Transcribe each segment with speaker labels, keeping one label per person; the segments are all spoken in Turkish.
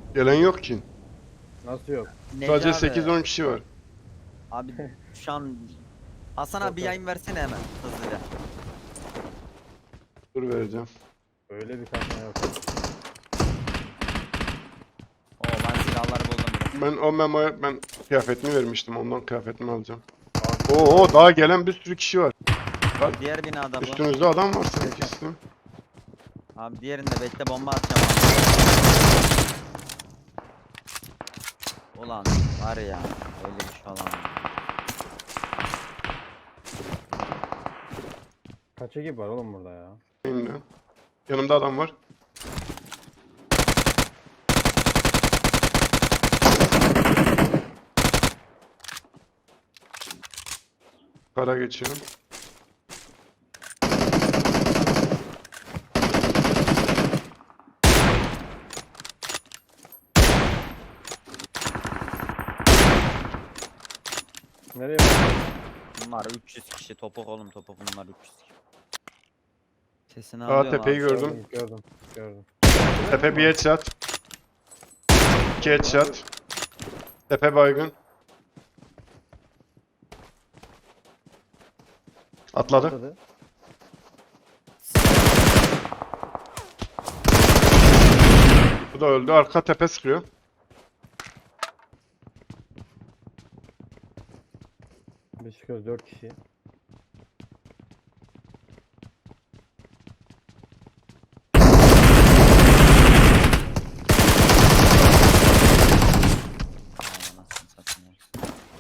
Speaker 1: Gelen yok ki.
Speaker 2: Nasıl yok?
Speaker 1: Sadece
Speaker 3: Necati
Speaker 1: 8-10 kişi var.
Speaker 3: abi şu an Hasan abi bir yayın versene hemen hızlıca.
Speaker 1: Dur vereceğim.
Speaker 2: Öyle bir kasma yok.
Speaker 3: Oo ben silahları buldum bile.
Speaker 1: Ben o memoya kıyafetini vermiştim. Ondan kıyafetimi alacağım.
Speaker 2: Abi,
Speaker 1: Oo daha gelen bir sürü kişi var.
Speaker 3: Abi diğer binada bu.
Speaker 1: Üstünüzde adam var sanki sizin.
Speaker 3: Abi diğerinde bekle bomba atacağım abi. Ulan var ya öyle bir şey olamaz.
Speaker 2: kaç ekip var oğlum burada ya?
Speaker 1: Benimle. Yanımda adam var. Kara geçiyorum.
Speaker 2: Nereye bak?
Speaker 3: Bunlar 300 kişi topuk oğlum topuk bunlar 300 kişi. Sesini
Speaker 1: Aa
Speaker 3: alıyorum
Speaker 1: tepeyi
Speaker 3: abi.
Speaker 1: gördüm.
Speaker 2: Gördüm.
Speaker 1: Tepe bir headshot. 2 headshot. Tepe baygın. Atladı.
Speaker 2: Atladı.
Speaker 1: Bu da öldü. Arka tepe sıkıyor.
Speaker 2: Biz çıkıyoruz 4 kişi.
Speaker 3: Ay, anasını satayım ya.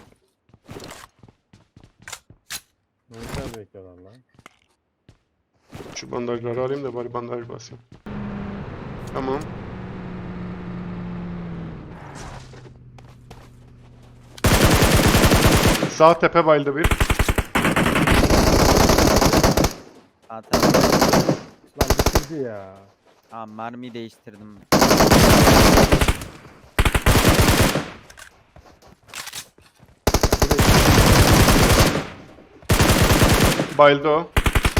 Speaker 2: Ne güzel bekliyorlar lan.
Speaker 1: Şu bandajları alayım da bari bandaj basayım. Tamam. Sağ tepe bayıldı bir.
Speaker 3: Zaten
Speaker 2: Lan bitirdi ya.
Speaker 3: tamam mermiyi değiştirdim.
Speaker 1: Bayıldı o.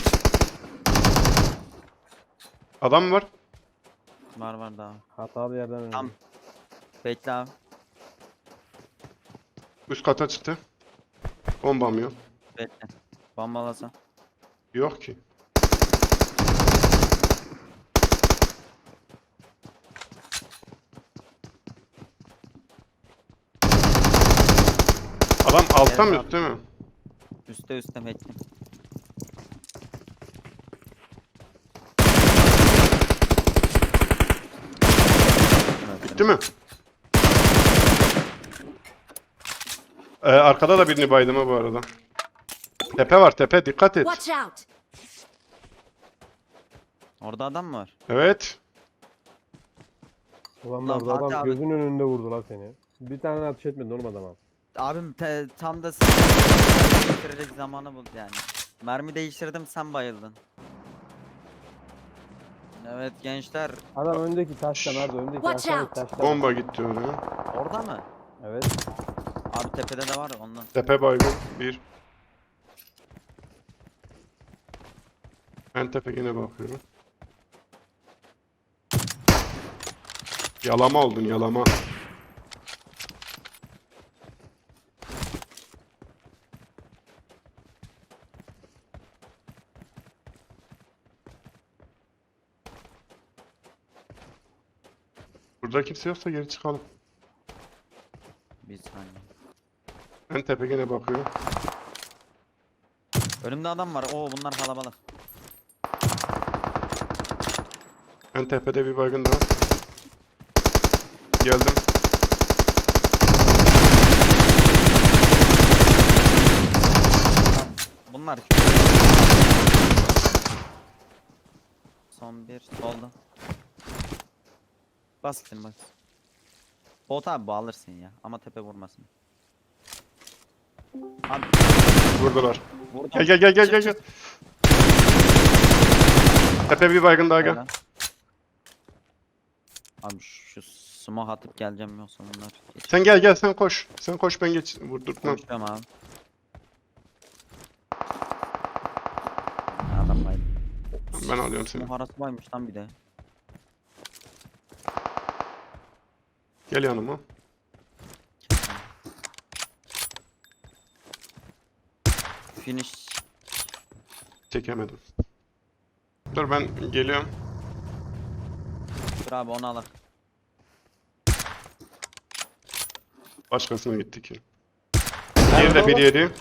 Speaker 1: Adam var.
Speaker 3: Var daha.
Speaker 2: Hatalı yerden öldü.
Speaker 3: Tam. Bekle abi.
Speaker 1: Üst kata çıktı. Bombam yok.
Speaker 3: Bekle. Bombalasa.
Speaker 1: Yok ki. Adam altta mı
Speaker 3: Evet abi.
Speaker 1: üstte mi?
Speaker 3: Üste bekle.
Speaker 1: Bitti mi? Arkada da birini baydım ha bu arada. Tepe var tepe dikkat et.
Speaker 4: Watch out!
Speaker 3: Orada adam mı var?
Speaker 1: Evet.
Speaker 2: Ulan
Speaker 3: Lan
Speaker 2: orada adam
Speaker 3: Fatih abi.
Speaker 2: gözünün önünde vurdu lan seni. Bir tane ateş etmedi oğlum adama.
Speaker 3: Abim tam da değiştirecek zamanı buldu yani. Mermi değiştirdim sen bayıldın. Evet gençler
Speaker 2: Adam öndeki taşta nerede? Öndeki
Speaker 4: Watch
Speaker 2: aşağıdaki
Speaker 4: out.
Speaker 2: taşta.
Speaker 1: Bomba gitti oraya.
Speaker 3: orada mı?
Speaker 2: Evet.
Speaker 3: Abi tepede de var ondan.
Speaker 1: Tepe baygın. Bir. Ben tepe yine bakıyorum. Yalama oldun yalama. Burada kimse yoksa geri çıkalım.
Speaker 3: Bir saniye.
Speaker 1: Ben tepe yine bakıyorum.
Speaker 3: Önümde adam var. Oo bunlar kalabalık.
Speaker 1: Ben tepede bir baygın daha. Geldim.
Speaker 3: Bunlar. Son bir solda. Bas gitsin bas. Bot abi bu alırsın ya ama tepe vurmasın. Abi
Speaker 1: Vurdular.
Speaker 3: vurdum.
Speaker 1: Gel. Tepe bir baygın daha gel.
Speaker 3: Helal. Abi şu smoke atıp geleceğim yoksa bunlar geç.
Speaker 1: Sen gel sen koş. Sen koş ben geç vurdurtmam.
Speaker 3: Konuşuyorum abi. Adam baydı.
Speaker 1: Ben alıyorum seni.
Speaker 3: Smoke arası varmış lan bir de.
Speaker 1: Gel yanıma.
Speaker 3: Finish.
Speaker 1: Çekemedim. Dur ben geliyorum.
Speaker 3: Dur abi onu alak.
Speaker 1: Başkasına gitti ki. Diğeri de 1-7.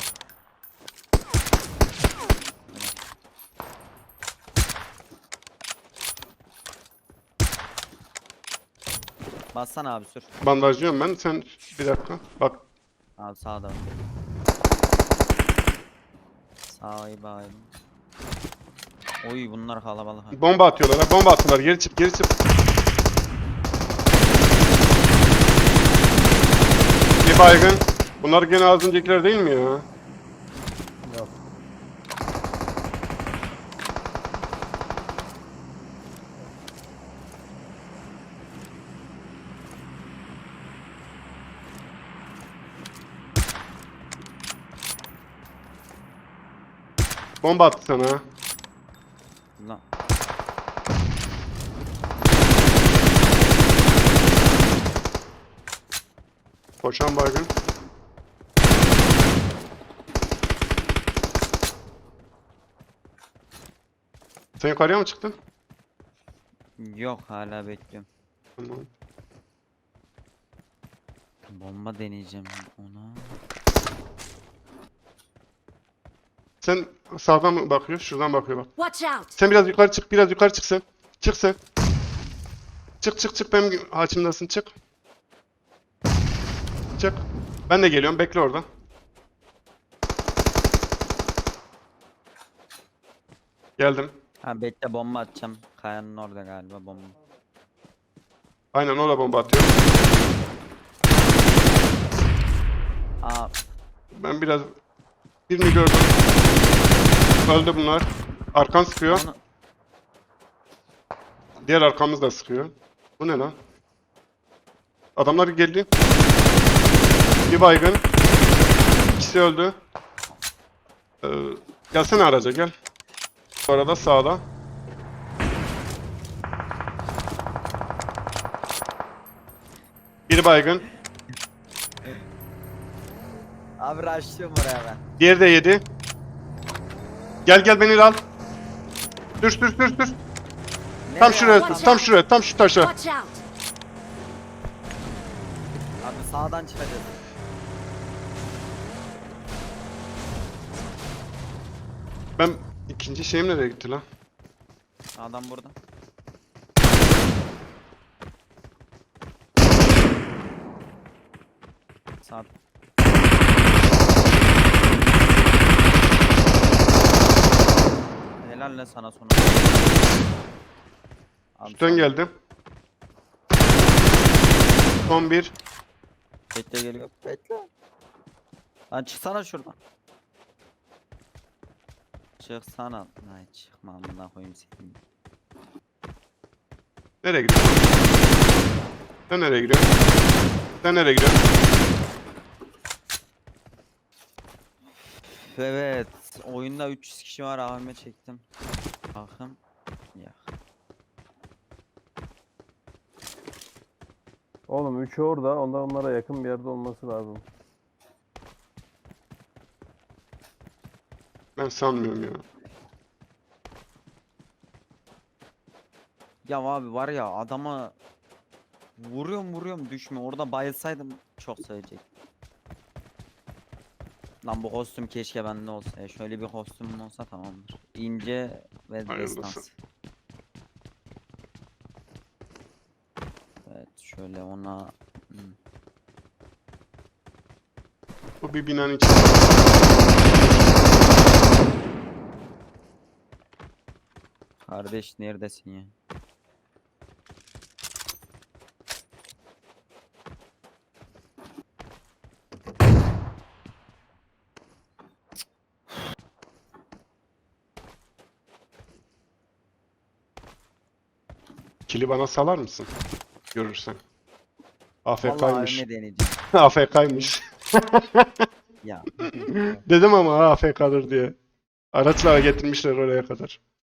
Speaker 3: Bassana abi sür.
Speaker 1: Bandajlıyorum ben. Sen bir dakika. Bak.
Speaker 3: Abi sağda. Sağa bayım. Oy bunlar kalabalık. Ha.
Speaker 1: Bomba atıyorlar. Ha. Bomba attılar. Geri çık. Geri çık. Bir baygın. Bunlar gene az öncekiler değil mi ya?
Speaker 2: Yok.
Speaker 1: Bomba attı sana. Ha.
Speaker 3: Lan.
Speaker 1: Koşan baygın. Sen yukarıya mı çıktın?
Speaker 3: Yok hala bekliyorum.
Speaker 1: Tamam.
Speaker 3: Bomba deneyeceğim ona.
Speaker 1: Sen sağdan mı bakıyor? Şuradan bakıyor bak.
Speaker 4: Watch out!
Speaker 1: Sen biraz yukarı çık. Biraz yukarı çık sen. Çık sen. Çık çık çık. Benim haçımdasın. Çık. Çık. Ben de geliyorum. Bekle orada. Geldim.
Speaker 3: Ha bekle bomba atacağım. Kayanın orada galiba bomba.
Speaker 1: Aynen o da bomba atıyor.
Speaker 3: Aa
Speaker 1: Ben biraz birini gördüm. Öldü bunlar. Arkan sıkıyor.
Speaker 3: onu
Speaker 1: Diğer arkamız da sıkıyor. Bu ne lan? Adamlar geldi. Bir baygın. İkisi öldü. Gelsene araca gel. Bu arada sağda. Bir baygın.
Speaker 3: abi rushlıyorum oraya ben.
Speaker 1: Diğeri de yedi. Gel gel beni al. Düş düş düş düş. Tam
Speaker 3: Nereye
Speaker 1: şuraya,
Speaker 3: abi?
Speaker 1: tam şuraya, tam şu taşa.
Speaker 4: Watch out!
Speaker 3: Abi sağdan çıkacağız.
Speaker 1: Ben ikinci şeyim nereye gitti lan?
Speaker 3: Adam burada. Sağ. Helal lan sana sonu. Abi
Speaker 1: Üstten
Speaker 3: sağ-
Speaker 1: geldim. Son bir.
Speaker 3: Bekle geliyor. Bekle. Lan çıksana şuradan. Çıksana. Ay çıkma amına koyayım seni.
Speaker 1: Nereye gidiyorsun? Sen nereye gidiyorsun? Sen nereye gidiyorsun?
Speaker 3: Evet. Oyunda 300 kişi var. AVM çektim. Bakın. Ya.
Speaker 2: Oğlum 3'ü orada. Ondan onlara yakın bir yerde olması lazım.
Speaker 1: Ben sanmıyorum ya.
Speaker 3: Ya abi var ya adama vuruyorum düşmüyor. Orada bayılsaydım çok sevecek. Lan bu kostüm keşke bende olsa. Ya. Şöyle bir kostümüm olsa tamamdır. İnce ve
Speaker 1: Hayırlısı.
Speaker 3: destans. Evet şöyle ona
Speaker 1: Bu bir binanın içinde.
Speaker 3: kardeş neredesin ya?
Speaker 1: Kili bana salar mısın? Görürsen.
Speaker 3: Vallahi
Speaker 1: AFK'ymış.
Speaker 3: AVM deneyeceğim.
Speaker 1: AFK'ymış.
Speaker 3: Ya.
Speaker 1: Dedim ama AFK'dır diye. Araçla getirmişler oraya kadar.